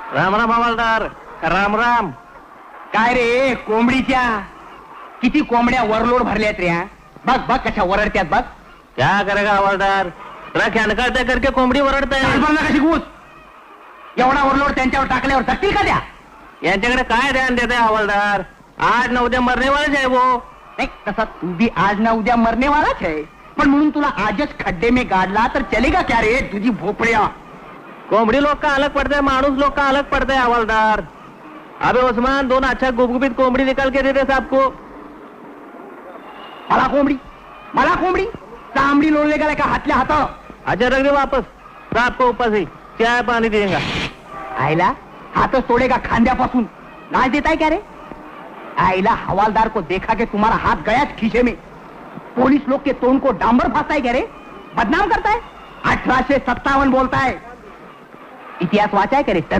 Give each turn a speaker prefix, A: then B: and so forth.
A: राम राम हवालदार. राम राम.
B: काय रे कोंबडीच्या किती कोंबड्या वरलोड भरल्यात रे. बघ बघ कशा वरडत्यात बघ.
A: क्या करेगा हवालदार. ट्रक हनकाळते करके कोंबडी ओरडताय.
B: कशी घुस एवढा वरलोड त्यांच्यावर टाकल्यावर जगतील का द्या.
A: यांच्याकडे काय ध्यान देते हवालदार. आज न उद्या मरने वालेच आहे वो.
B: नाही तसा तू भी आज ना उद्या मरने वालाच है. पण म्हणून तुला आजच खड्डे में गाडला तर चलेगा क्या रे तुझी भोपळ्या.
A: कोंबडी लोग का अलग पड़ता है, मानुस लोग का अलग पड़ता है हवालदार. अबे उस्मान 2 अच्छा गुबगुबीत कोंबडी निकाल के देते साहब को.
B: मला कोंबडी चांबडी लोळले गेला का हातल्या हात.
A: अच्छा रख दे वापस. साहब को ऊपर से चाय पानी देगा.
B: आईला हाथच तोड़ेगा खांद्यापासून. लाज देता है क्या रे. आईला हवालदार को देखा के तुम्हारा हाथ गया खीसे में. पुलिस लोग के तोंड को डांबर फासता है क्या रे. बदनाम करता है. 1857 बोलता है. इतिहास वाचा है क्या रे.